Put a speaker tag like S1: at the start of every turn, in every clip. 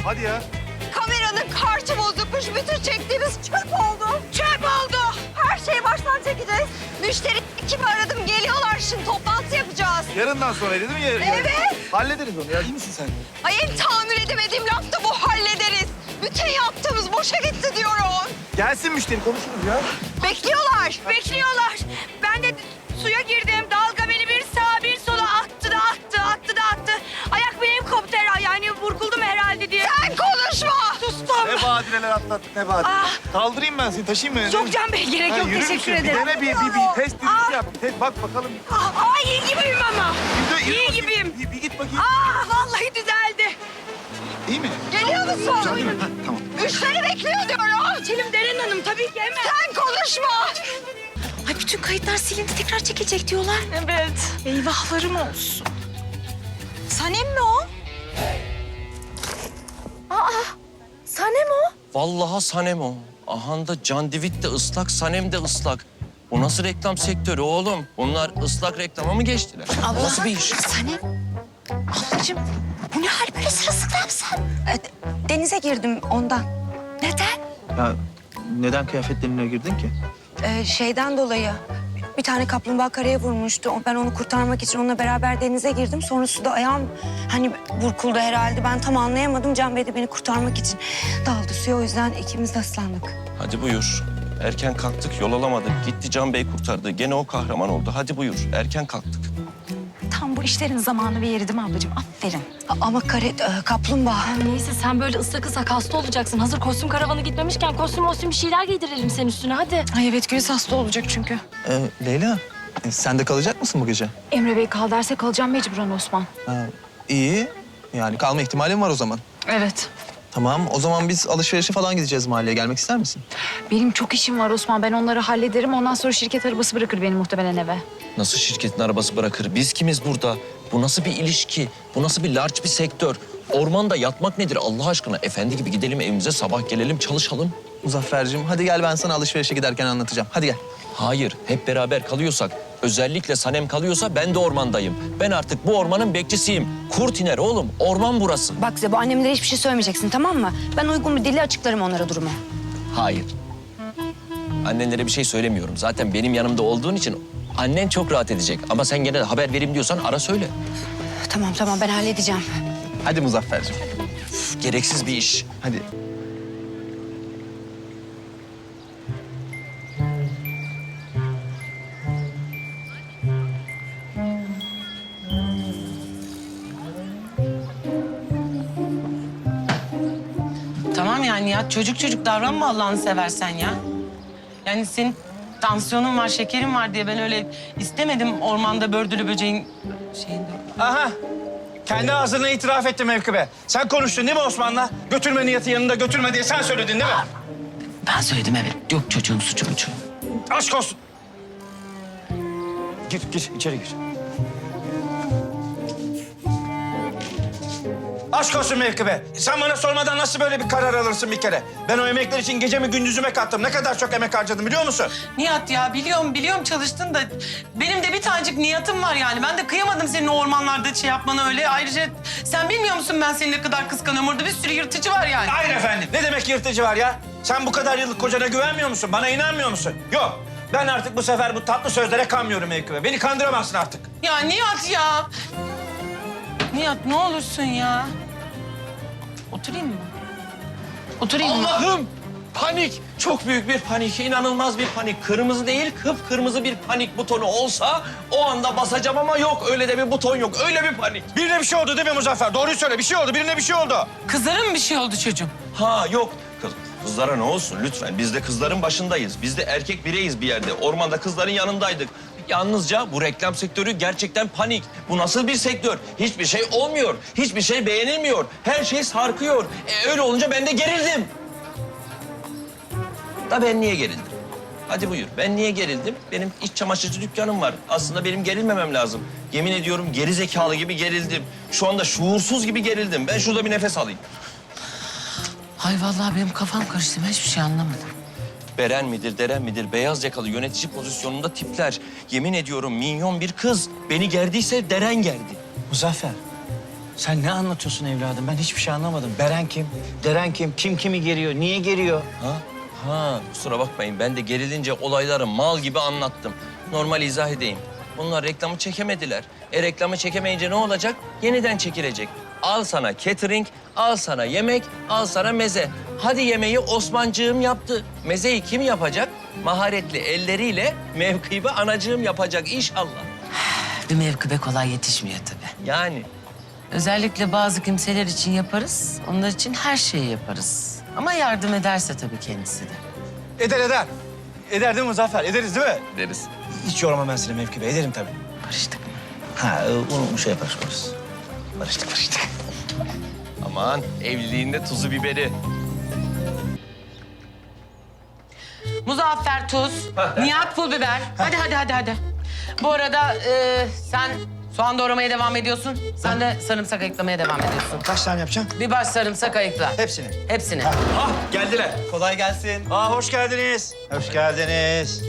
S1: Hadi ya.
S2: Kameranın kartı bozukmuş. Bütün çektiğimiz çöp oldu. Çöp oldu. Her şeyi baştan çekeceğiz. Müşteri ekibi aradım. Geliyorlar şimdi. Toplantı yapacağız.
S1: Yarından sonra değil mi?
S2: Evet.
S1: Hallederiz onu ya. İyi misin sen?
S2: Ay en tahammül edemediğim laf da bu, hallederiz. Bütün yaptığımız boşa gitti diyorum.
S1: Gelsin müşteri konuşuruz ya.
S2: Bekliyorlar.
S3: Bekliyorlar. Ben de suya girdim. Dalga beni bir sağa bir sola attı da attı, attı da attı. Ayak bileğim koptu herhalde. Yani vurguldum herhalde diye.
S2: Sen konuşma.
S3: Sustum.
S1: Ne badireler atlattık ne badire.
S3: Ah.
S1: Kaldırayım ben seni taşıyayım mı?
S3: Yok Can Bey gerek
S1: Ha,
S3: yok.
S1: yürür
S3: Teşekkür
S1: müsün?
S3: ederim.
S1: Bir dene bir test dizisi yap. Bak bakalım.
S3: Ay iyi gibiyim ama.
S1: Yürü
S3: İyi
S1: bakayım.
S3: gibiyim.
S1: Bir git bakayım.
S3: Vallahi düzeldi.
S1: İyi mi?
S2: Geliyor musun?
S1: Güzel değil mi? Ha, tamam.
S2: Müşteri bekliyor diyorum.
S3: Selim Deren Hanım tabii ki hemen.
S2: Sen konuşma.
S3: Ay bütün kayıtlar silindi tekrar çekilecek diyorlar. Evet. Eyvahlarım olsun.
S2: Sanem mi o?
S3: Sanem o.
S4: Vallahi Sanem o. Ahanda Can Divit de ıslak, Sanem de ıslak. Bu nasıl reklam sektörü oğlum? Bunlar ıslak reklama mı geçtiler? Bu nasıl bir iş?
S5: Sanem, ablacığım bu ne hal böyle sırılsıklam sen? Denize girdim ondan. Neden?
S6: Ya neden kıyafetlerine girdin ki?
S5: Şeyden dolayı bir tane kaplumbağa karaya vurmuştu. Ben onu kurtarmak için onunla beraber denize girdim. Sonra suda ayağım hani burkuldu herhalde. Ben tam anlayamadım. Can Bey de beni kurtarmak için daldı suya. O yüzden ikimiz de ıslandık.
S4: Hadi buyur. Erken kalktık, yol alamadık. Gitti Can Bey kurtardı. Gene o kahraman oldu. Hadi buyur. Erken kalktık.
S7: Tam bu işlerin zamanı ve yeri değil mi ablacığım? Aferin.
S5: Ama kaplumbağa.
S7: Neyse sen böyle ıslak ıslak hasta olacaksın. Hazır kostüm karavanı gitmemişken kostüm bir şeyler giydirelim senin üstüne hadi.
S5: Ay evet Güliz hasta olacak çünkü.
S6: Leyla, sen de kalacak mısın bu gece?
S7: Emre Bey kal derse kalacağım mecburen Osman.
S6: İyi. Yani kalma ihtimalin var o zaman.
S7: Evet.
S6: Tamam, o zaman biz alışverişe falan gideceğiz mahalleye. Gelmek ister misin?
S7: Benim çok işim var Osman. Ben onları hallederim. Ondan sonra şirket arabası bırakır beni muhtemelen eve.
S4: Nasıl şirketin arabası bırakır? Biz kimiz burada? Bu nasıl bir ilişki? Bu nasıl bir large bir sektör? Ormanda yatmak nedir Allah aşkına? Efendi gibi gidelim evimize, sabah gelelim, çalışalım.
S6: Muzaffer'cim, hadi gel ben sana alışverişe giderken anlatacağım. Hadi gel.
S4: Hayır, hep beraber kalıyorsak, özellikle Sanem kalıyorsa ben de ormandayım. Ben artık bu ormanın bekçisiyim. Kurt iner oğlum, orman burası.
S5: Bak Zebo annemlere hiçbir şey söylemeyeceksin tamam mı? Ben uygun bir dille açıklarım onlara durumu.
S4: Hayır. Annenlere bir şey söylemiyorum. Zaten benim yanımda olduğun için annen çok rahat edecek. Ama sen gene de haber vereyim diyorsan ara söyle.
S5: Tamam ben halledeceğim.
S6: Hadi Muzaffer'cim.
S4: Üf, gereksiz bir iş.
S6: Hadi.
S8: Tamam yani Nihat çocuk davranma Allah'ını seversen ya. Yani senin tansiyonun var, şekerin var diye ben öyle istemedim ormanda bördülü böceğin şeyinde.
S9: Aha. Kendi ağzına itiraf etti Mevkibe. Sen konuştun değil mi Osman'la? Götürme Nihat'ı yanında götürme diye sen söyledin değil mi?
S8: Ben söyledim evet. Yok çocuğun suçu buçu.
S9: Aşk olsun. Gir içeri gir. Aşk olsun Mevkibe. Sen bana sormadan nasıl böyle bir karar alırsın bir kere? Ben o emekler için gecemi gündüzüme kattım. Ne kadar çok emek harcadım biliyor musun?
S8: Nihat ya biliyorum çalıştın da benim de bir tanecik Nihat'ım var yani. Ben de kıyamadım senin o ormanlarda şey yapmanı öyle. Ayrıca sen bilmiyor musun ben seni ne kadar kıskanıyorum? Orada bir sürü yırtıcı var yani.
S9: Hayır efendim. Ne demek yırtıcı var ya? Sen bu kadar yıllık kocana güvenmiyor musun? Bana inanmıyor musun? Yok. Ben artık bu sefer bu tatlı sözlere kanmıyorum Mevkibe. Beni kandıramazsın artık.
S8: Ya Nihat ya. Nihat ne olursun ya. Oturayım mı? Oturayım mı?
S4: Allah'ım! Panik! Çok büyük bir panik, inanılmaz bir panik. Kırmızı değil, kıpkırmızı bir panik butonu olsa o anda basacağım ama yok. Öyle de bir buton yok, öyle bir panik.
S9: Birine bir şey oldu değil mi Muzaffer? Doğruyu söyle. Bir şey oldu. Birine bir şey oldu.
S8: Kızlara mı bir şey oldu çocuğum?
S4: Ha yok. Kızlara ne olsun lütfen. Biz de kızların başındayız. Biz de erkek bireyiz bir yerde. Ormanda kızların yanındaydık. Yalnızca bu reklam sektörü gerçekten panik. Bu nasıl bir sektör? Hiçbir şey olmuyor. Hiçbir şey beğenilmiyor. Her şey sarkıyor. Öyle olunca ben de gerildim. Da ben niye gerildim? Hadi buyur. Ben niye gerildim? Benim iç çamaşırcı dükkanım var. Aslında benim gerilmemem lazım. Yemin ediyorum geri zekalı gibi gerildim. Şu anda şuursuz gibi gerildim. Ben şurada bir nefes alayım.
S8: Ay vallahi benim kafam karıştı. Ben hiçbir şey anlamadım.
S4: Beren midir, Deren midir, beyaz yakalı yönetici pozisyonunda tipler. Yemin ediyorum minyon bir kız. Beni gerdiyse Deren gerdi.
S9: Muzaffer, Sen ne anlatıyorsun evladım? Ben hiçbir şey anlamadım. Beren kim? Deren kim? Kim kimi geriyor? Niye geriyor?
S4: Ha, kusura bakmayın. Ben de gerilince olayları mal gibi anlattım. Normal izah edeyim. Bunlar reklamı çekemediler. Reklamı çekemeyince ne olacak? Yeniden çekilecek. Al sana catering, al sana yemek, al sana meze. Hadi yemeği Osmancığım yaptı. Mezeyi kim yapacak? Maharetli elleriyle mevkibe anacığım yapacak inşallah.
S8: Bir mevkibe kolay yetişmiyor tabii.
S4: Yani
S8: Özellikle bazı kimseler için yaparız. Onlar için her şeyi yaparız. Ama yardım ederse tabii kendisi de.
S9: Eder eder. Eder değil mi Muzaffer? Ederiz değil mi?
S4: deriz.
S9: Hiç yormam ben seni mevkibe. Ederim tabii.
S8: Barıştık mı?
S9: Ha, onu şey yaparız. Barıştık.
S4: Aman evliliğinde tuzu biberi.
S8: Muzaffer tuz, Nihat pul biber. Hadi. Bu arada sen soğan doğramaya devam ediyorsun. Sen de sarımsak ayıklamaya devam ediyorsun.
S9: Kaç tane yapacağım?
S8: Bir baş sarımsak ayıkla.
S9: Hepsini.
S8: Hepsini.
S4: Ah geldiler.
S6: Kolay gelsin.
S9: Hoş geldiniz. Hoş geldiniz.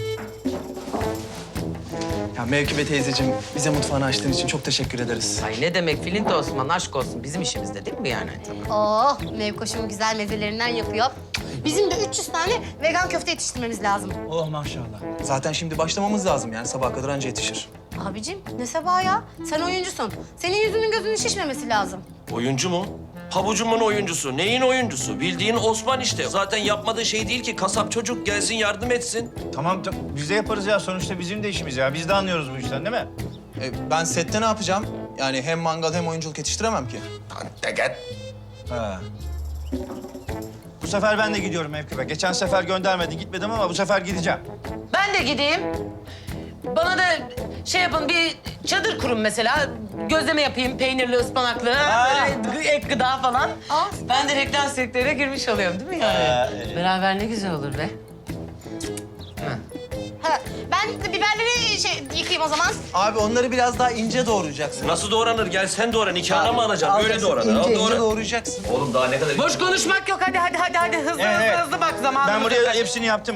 S6: Ya Mevkibe teyzeciğim, bize mutfağını açtığın için çok teşekkür ederiz.
S8: Ay ne demek Filin de Osman aşk olsun. Bizim işimizde değil mi yani?
S10: Oh, Mevkoş'un güzel mezelerinden yapıyor. Bizim de 300 tane vegan köfte yetiştirmemiz lazım.
S9: Oh maşallah.
S6: Zaten şimdi başlamamız lazım yani sabaha kadar anca yetişir.
S10: Abicim ne sabah ya? Sen oyuncusun. Senin yüzünün gözünün şişmemesi lazım.
S4: Oyuncu mu? Pabucumun oyuncusu. Neyin oyuncusu? Bildiğin Osman işte. Zaten yapmadığı şey değil ki. Kasap çocuk gelsin yardım etsin.
S9: Tamam biz de yaparız ya. Sonuçta bizim de işimiz ya. Biz de anlıyoruz bu işten değil mi?
S6: Ben sette ne yapacağım? Yani hem mangal hem oyunculuk yetiştiremem ki.
S9: Ha. Bu sefer ben de gidiyorum mevkibe. Geçen sefer göndermedin, gitmedim ama bu sefer gideceğim.
S8: Ben de gideyim. Bana da şey yapın, bir çadır kurun mesela. Gözleme yapayım, peynirli, ıspanaklı, böyle ek gıda falan. Ben de reklam sektörüne girmiş oluyorum değil mi yani? Beraber ne güzel olur be.
S10: Ha, ben de biberleri yıkayayım o zaman.
S6: Abi onları biraz daha ince doğrayacaksın.
S4: Nasıl doğranır? Gel sen doğran. Nikahına mı alacaksın? Öyle doğranır. Al,
S6: İnce
S4: doğra.
S6: doğrayacaksın.
S4: Oğlum daha ne kadar...
S8: Boş konuşmak yok. Hadi. Hızlı bak zamanımız.
S9: Ben buraya hepsini yaptım.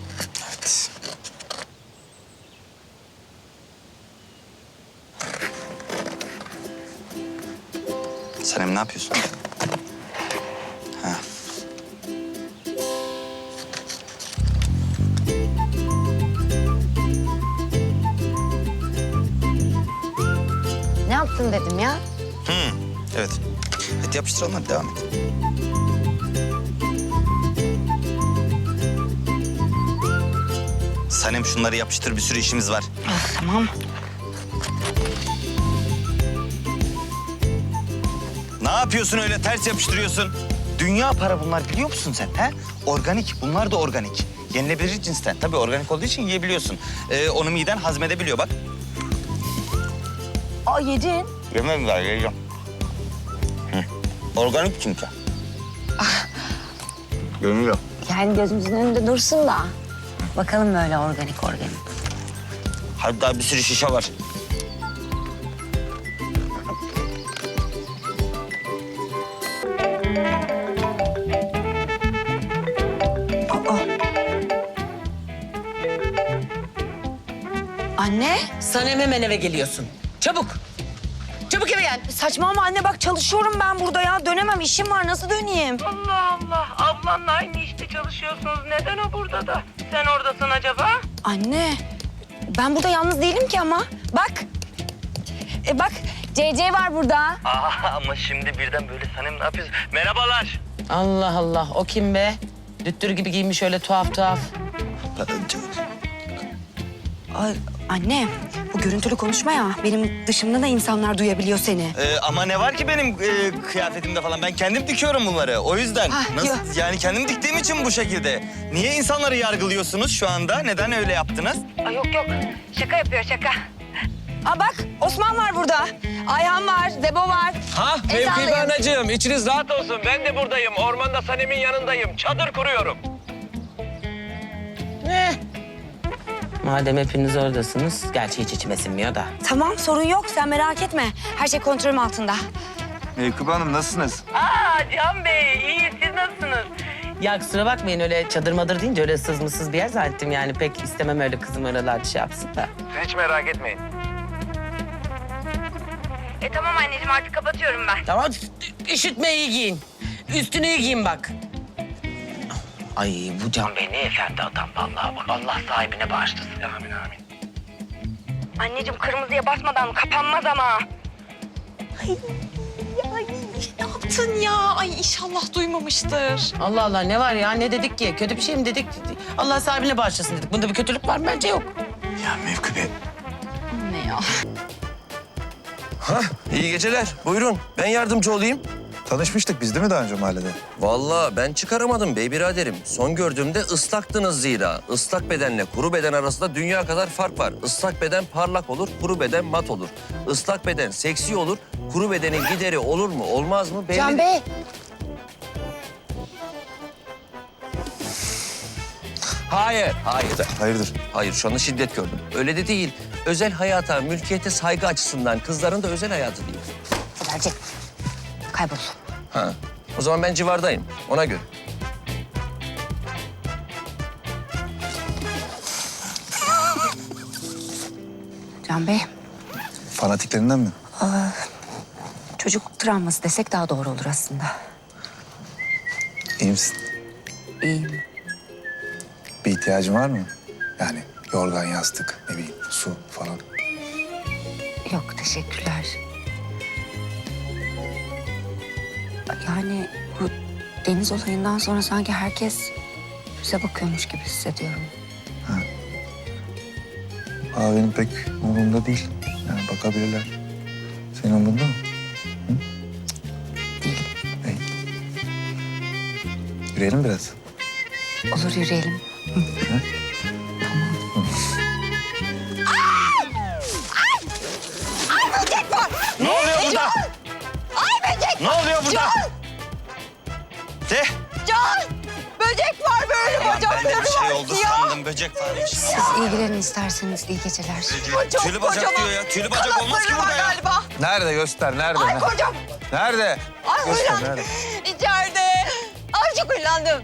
S11: Sanem ne yapıyorsun? Ha.
S5: Ne yaptın dedim ya.
S11: Evet. Hadi yapıştıralım, hadi devam et. Sanem şunları yapıştır, bir sürü işimiz var.
S5: Tamam.
S11: Ne yapıyorsun öyle ters yapıştırıyorsun? Dünya para bunlar biliyor musun sen? He? Organik, bunlar da organik. Yenilebilir cinsten. Tabii organik olduğu için yiyebiliyorsun. Onu miden hazmedebiliyor bak.
S5: Aa yedin.
S11: Yemem var, yiyeceğim. Organik çünkü. Görünüyor.
S5: Yani gözümüzün önünde dursun da. Bakalım böyle organik.
S11: Hadi daha bir sürü şişe var.
S5: Anne.
S8: Sanem hemen eve geliyorsun. Çabuk. Çabuk eve gel.
S5: Saçmalama anne bak çalışıyorum ben burada ya. Dönemem işim var nasıl döneyim?
S8: Allah. Ablanla aynı işte çalışıyorsunuz. Neden o burada da? Sen oradasın acaba?
S5: Anne ben burada yalnız değilim ki ama. Bak. Bak CC var burada.
S11: Ama şimdi birden böyle Sanem ne yapıyorsun? Merhabalar.
S8: Allah. O kim be? Düttür gibi giymiş öyle tuhaf.
S5: Ay, anne bu görüntülü konuşma ya. Benim dışımda da insanlar duyabiliyor seni.
S11: Ama ne var ki benim kıyafetimde falan? Ben kendim dikiyorum bunları. O yüzden.
S5: yok.
S11: Yani kendim diktiğim için bu şekilde. Niye insanları yargılıyorsunuz şu anda? Neden öyle yaptınız?
S2: Yok. Şaka yapıyor şaka.
S5: Aa bak Osman var burada. Ayhan var, Zebo var.
S4: Ha
S5: El
S4: mevkibe
S5: sallayın.
S4: anacığım. İçiniz rahat olsun. Ben de buradayım. Ormanda Sanem'in yanındayım. Çadır kuruyorum.
S8: Madem hepiniz oradasınız, gerçi hiç içime sinmiyor da.
S5: Tamam sorun yok sen merak etme. Her şey kontrolüm altında.
S1: Mevkibe Hanım nasılsınız?
S8: Can Bey, iyi. Siz nasılsınız? Ya kusura bakmayın öyle çadır madır deyince öyle sızmısız bir yer zannettim yani. Pek istemem öyle kızım oralarda şey yapsın da.
S1: Siz hiç merak etmeyin.
S5: Tamam anneciğim artık kapatıyorum ben.
S8: Tamam, üşütmeyi giyin. Üstünü iyi giyin bak. Ay bu Can Bey ne efendi adam vallahi bak. Allah sahibine bağışlasın. Amin amin.
S5: Anneciğim kırmızıya basmadan kapanmaz ama.
S2: Ne yaptın ya? Ay inşallah duymamıştır.
S8: Allah Allah ne var ya ne dedik ki? Kötü bir şey mi dedik? Allah sahibine bağışlasın dedik. Bunda bir kötülük var mı? Bence yok.
S11: Ya Mevkübe.
S2: Ne ya?
S4: İyi geceler. Buyurun. Ben yardımcı olayım.
S1: Tanışmıştık biz değil mi daha önce mahallede?
S4: Vallahi ben çıkaramadım bey biraderim. Son gördüğümde ıslaktınız zira. Islak bedenle kuru beden arasında dünya kadar fark var. Islak beden parlak olur, kuru beden mat olur. Islak beden seksi olur, kuru bedenin gideri olur mu, olmaz mı? Belli...
S10: Can Bey.
S4: Hayır.
S1: Hayırdır?
S4: Hayır, şu anda şiddet gördüm. Öyle de değil. Özel hayata, mülkiyete saygı açısından kızların da özel hayatı değil.
S10: Haberci. Kaybol.
S4: Ha. O zaman ben civardayım. Ona göre.
S5: Can Bey,
S1: Fanatiklerinden mi?
S5: çocuk travması desek daha doğru olur aslında.
S1: İyi misin?
S5: İyiyim.
S1: Bir ihtiyacın var mı? Yani yorgan, yastık, ne bileyim su falan.
S5: Yok, teşekkürler. Yani bu deniz olayından sonra sanki herkes bize bakıyormuş gibi hissediyorum.
S1: Aa, benim pek umurumda değil. Yani bakabilirler. Senin umurunda mı?
S5: Değil.
S1: İyi. Yürüyelim biraz.
S5: Olur, yürüyelim.
S11: Ne oluyor burada?
S2: Ay böcek!
S11: Ne oluyor burada? De.
S2: Can! Böcek var böyle
S11: Ben de
S2: bacakları
S11: bir şey
S2: var
S11: oldu
S2: ya.
S11: sandım. Böcek varmış.
S5: Siz ilgilenin isterseniz. İyi geceler.
S2: Çok
S11: Tülü bacak
S2: kocaman
S11: diyor ya. Tülü bacak olmaz ki
S2: kanatları var
S11: burada ya.
S2: galiba.
S1: Nerede? Göster. Nerede?
S2: Ay kocam.
S1: Nerede?
S2: Ay
S1: Göster,
S2: huylandım.
S1: nerede?
S2: İçeride. Ay çok huylandım.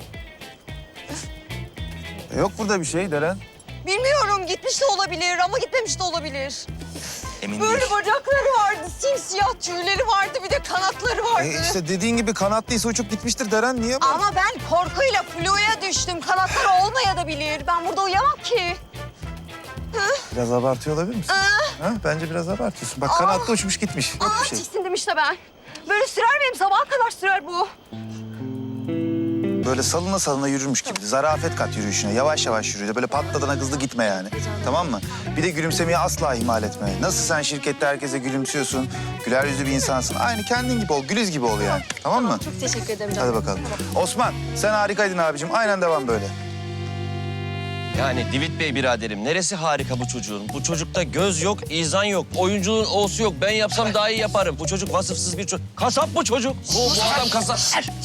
S1: Yok burada bir şey Deren.
S2: Bilmiyorum gitmiş de olabilir ama gitmemiş de olabilir.
S11: Emin
S2: Böyle
S11: değil.
S2: bacakları vardı, simsiyah tüyleri vardı, bir de kanatları vardı.
S1: İşte dediğin gibi kanatlıysa uçup gitmiştir Deren. Niye bu?
S2: Ama ben korkuyla fluya düştüm. Kanatları olmayabilir. Ben burada uyuyamam ki.
S1: Biraz abartıyor olabilir misin? Ha? Bence biraz abartıyorsun. Bak kanatlı uçmuş gitmiş. Yok bir şey.
S2: Tiksindim işte ben. Böyle sürer benim sabaha kadar sürer bu.
S1: Böyle salına salına yürürmüş gibi. Zarafet kat yürüyüşüne. Yavaş yavaş yürü. Böyle patladığına hızlı gitme yani. Tamam mı? Bir de gülümsemeyi asla ihmal etme. Nasıl sen şirkette herkese gülümsüyorsun, güler yüzlü bir insansın. Aynı kendin gibi ol, Güliz gibi ol yani. Tamam mı?
S2: Çok teşekkür ederim.
S1: Hadi bakalım. Osman, sen harikaydın abicim. Aynen devam böyle.
S4: Yani Divit Bey biraderim, neresi harika bu çocuğun? Bu çocukta göz yok, izan yok, oyunculuğun O'su yok. Ben yapsam daha iyi yaparım. Bu çocuk vasıfsız bir çocuk. Kasap bu çocuk. Bu adam kasap.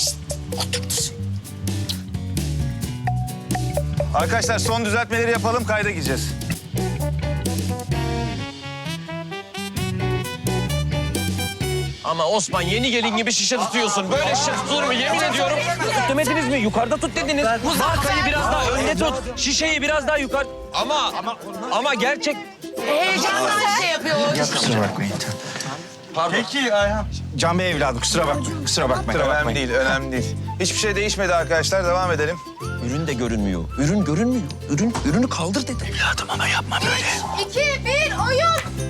S1: Arkadaşlar son düzeltmeleri yapalım, kayda gireceğiz.
S4: Ama Osman yeni gelin gibi şişe tutuyorsun. Böyle şişe tutulur mu? Yemin ediyorum. Tut demediniz mi? Yukarıda tut dediniz. Bu markayı biraz daha önde tut. Şişeyi biraz daha yukarı... Ama gerçek...
S8: Heyecanla şey yapıyor.
S1: Kusura bakmayın.
S4: Pardon.
S9: Peki Ayhan.
S1: Can Bey evladım, kusura bakmayın. Kusura bakmayın. Önemli değil, önemli değil. Hiçbir şey değişmedi arkadaşlar, devam edelim.
S4: Ürün de görünmüyor. Ürün görünmüyor. Ürünü kaldır dedim.
S11: Evladım ama yapma böyle.
S10: 2, 1, oyun.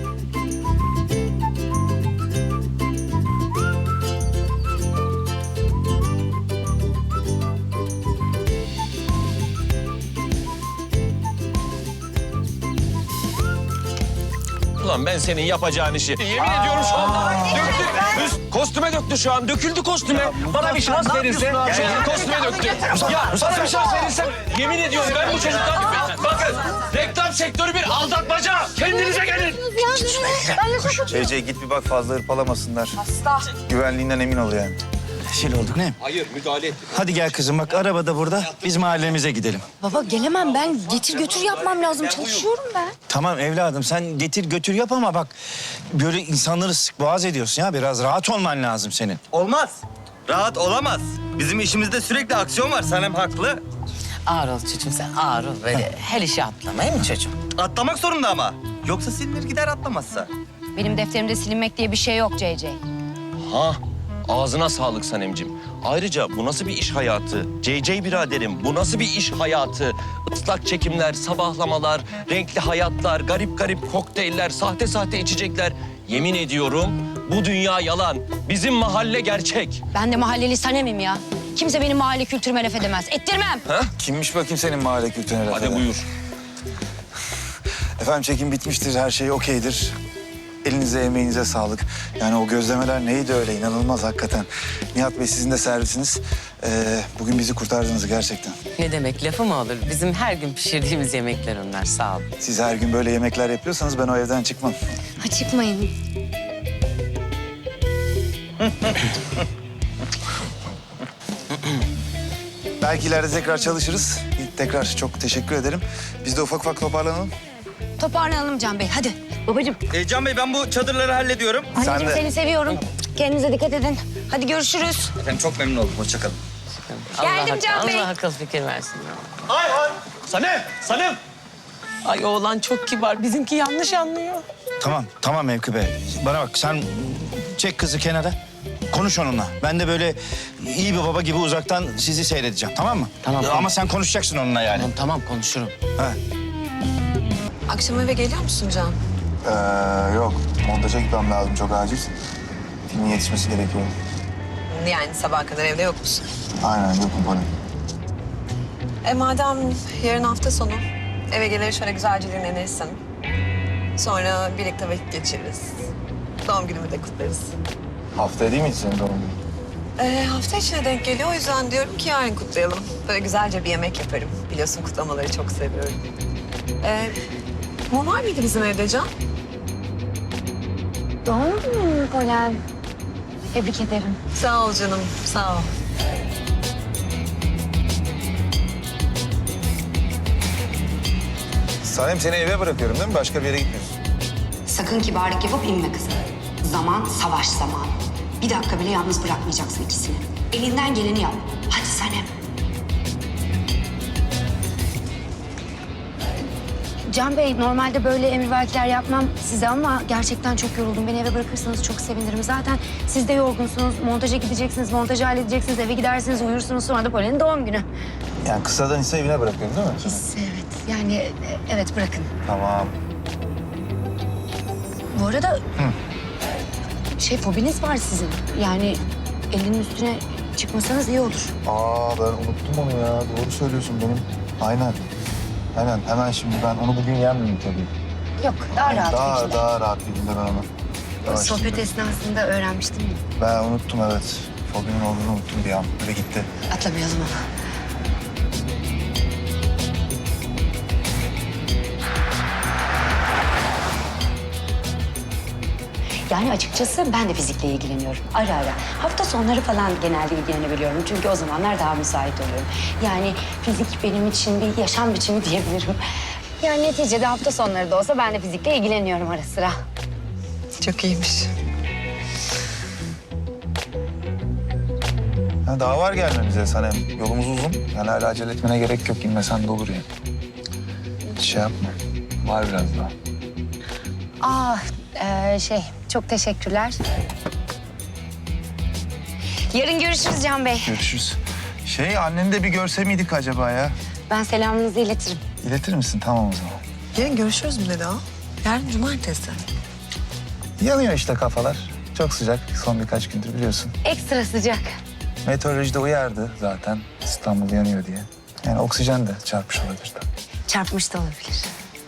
S4: Ulan ben senin yapacağın işi. Yemin ediyorum şu anda döktü. Kostüme döktü şu an. Döküldü kostüme. Bana bir şans verirse şu an kostüme döktü. Ya bana bir şans verirse yemin ediyorum ben bu çocuktan... Bakın reklam sektörü bir aldatmaca. Kendinize gelin.
S1: CC git bir bak fazla hırpalamasınlar. Güvenliğinden emin ol yani.
S9: Rezil olduk ne?
S4: Hayır müdahale et.
S9: Hadi gel kızım bak araba da burada. Biz mahallemize gidelim.
S5: Baba gelemem ben. Getir götür yapmam lazım. Çalışıyorum ben.
S9: Tamam evladım sen getir götür yap ama bak böyle insanları sık boğaz ediyorsun ya. Biraz rahat olman lazım senin.
S11: Olmaz. Rahat olamaz. Bizim işimizde sürekli aksiyon var. Sanem haklı.
S8: Ağır ol çocuğum sen ağır ol. Böyle her işe atlamayın mı çocuğum?
S11: Atlamak zorunda ama. Yoksa silinir gider atlamazsa.
S5: Benim defterimde silinmek diye bir şey yok CC.
S4: Ha, ağzına sağlık Sanemcim. Ayrıca bu nasıl bir iş hayatı? CC biraderim, bu nasıl bir iş hayatı? Islak çekimler, sabahlamalar, renkli hayatlar, garip garip kokteyller, sahte sahte içecekler. Yemin ediyorum bu dünya yalan. Bizim mahalle gerçek.
S5: Ben de mahalleli Sanem'im ya. Kimse benim mahalle kültürüme laf edemez. Ettirmem.
S1: Kimmiş bakayım senin mahalle kültürüne laf
S4: Hadi
S1: eden?
S4: buyur.
S1: Efendim çekim bitmiştir, her şey okeydir. Elinize emeğinize sağlık. Yani o gözlemeler neydi öyle, inanılmaz hakikaten. Nihat Bey sizin de servisiniz. Bugün bizi kurtardınız gerçekten.
S8: Ne demek lafı mı olur? Bizim her gün pişirdiğimiz yemekler onlar sağ ol.
S1: Siz her gün böyle yemekler yapıyorsanız ben o evden çıkmam.
S5: Ha, çıkmayın.
S1: Belki ileride tekrar çalışırız. Tekrar çok teşekkür ederim. Biz de ufak ufak toparlanalım.
S5: Toparlanalım Can Bey. Hadi. Babacığım.
S11: Can Bey ben bu çadırları hallediyorum.
S5: Anneciğim
S1: de.
S5: seni seviyorum. Kendinize dikkat edin. Hadi görüşürüz.
S11: Efendim çok memnun oldum. Hoşça kalın.
S5: Geldim Can Bey.
S8: Allah akıl fikir versin.
S9: Ayhan! Sanem! Sanem!
S8: Ay oğlan çok kibar. Bizimki yanlış anlıyor.
S9: Tamam Mevki Bey. Bana bak sen çek kızı kenara. Konuş onunla. Ben de böyle iyi bir baba gibi uzaktan sizi seyredeceğim, tamam mı?
S8: Tamam.
S9: Ama sen konuşacaksın onunla yani.
S8: Tamam konuşurum.
S9: Ha.
S2: Akşam eve geliyor musun Can?
S1: Yok, montaja gitmem lazım çok acil. Filmin yetişmesi gerekiyor.
S2: Yani sabaha kadar evde yok musun?
S1: Aynen, yokum Poli.
S2: Madem yarın hafta sonu eve gelir şöyle güzelce dinlenirsin. Sonra birlikte vakit geçiririz. Doğum günümü de kutlarız.
S1: Haftaya değil miydi senin doğum günün?
S2: Hafta içine denk geliyor. O yüzden diyorum ki yarın kutlayalım. Böyle güzelce bir yemek yaparım. Biliyorsun kutlamaları çok seviyorum. Mum var mıydı bizim evde Can?
S5: Doğum günün Polen. Tebrik ederim.
S2: Sağ ol canım, sağ ol.
S1: Sanem seni eve bırakıyorum değil mi? Başka bir yere gitmiyorsun.
S12: Sakın kibarlık yapıp inme kızım. Zaman savaş zamanı. Bir dakika bile yalnız bırakmayacaksın ikisini. Elinden geleni yap. Hadi Sanem.
S5: Can Bey, normalde böyle emrivakiler yapmam size ama gerçekten çok yoruldum. Beni eve bırakırsanız çok sevinirim. Zaten siz de yorgunsunuz. Montaja gideceksiniz, montajı halledeceksiniz, eve gidersiniz, uyursunuz. Sonra da Polen'in doğum günü.
S1: Yani kısadan ise evine bırakıyorum değil mi?
S5: Evet, yani evet bırakın.
S1: Tamam.
S5: Bu arada fobiniz var sizin. Yani elinin üstüne çıkmasanız iyi olur.
S1: Ben unuttum onu ya. Doğru söylüyorsun benim. Aynen. Hemen şimdi ben onu bugün yenmeyeyim tabii.
S5: Yok, daha rahat bir şekilde.
S1: Daha rahat bir günde ben onu. Yavaş
S5: Sohbet
S1: şimdi.
S5: esnasında öğrenmiştim ya.
S1: Ben unuttum evet. Fobimin olduğunu unuttum bir an. Böyle gitti.
S5: Atlamayalım ama. Yani açıkçası ben de fizikle ilgileniyorum. Ara ara. Hafta sonları falan genelde ilgilenebiliyorum. Çünkü o zamanlar daha müsait oluyorum. Yani fizik benim için bir yaşam biçimi diyebilirim. Yani neticede hafta sonları da olsa ben de fizikle ilgileniyorum ara sıra.
S2: Çok iyiymiş.
S1: Ha, daha var gelmemize Sanem. Yolumuz uzun. Yani hala acele etmene gerek yok. İnmesen de olur yani. Şey yapma. Var biraz daha.
S5: Çok teşekkürler. Yarın görüşürüz Can Bey.
S1: Görüşürüz. Anneni de bir görse miydik acaba ya?
S5: Ben selamınızı iletirim.
S1: İletir misin? Tamam o zaman.
S2: Yarın görüşürüz mü dedi o? Yarın cumartesi.
S1: Yanıyor işte kafalar. Çok sıcak son birkaç gündür biliyorsun.
S5: Ekstra sıcak.
S1: Meteorolojide uyardı zaten İstanbul yanıyor diye. Yani oksijen de çarpmış olabilir tabii.
S5: Çarpmış da olabilir.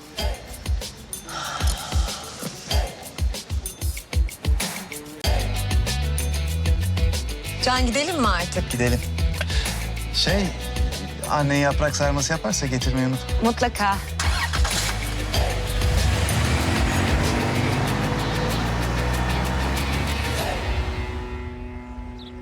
S2: Can gidelim mi artık?
S1: Gidelim. Annen yaprak sarması yaparsa getirmeyi unutma.
S5: Mutlaka.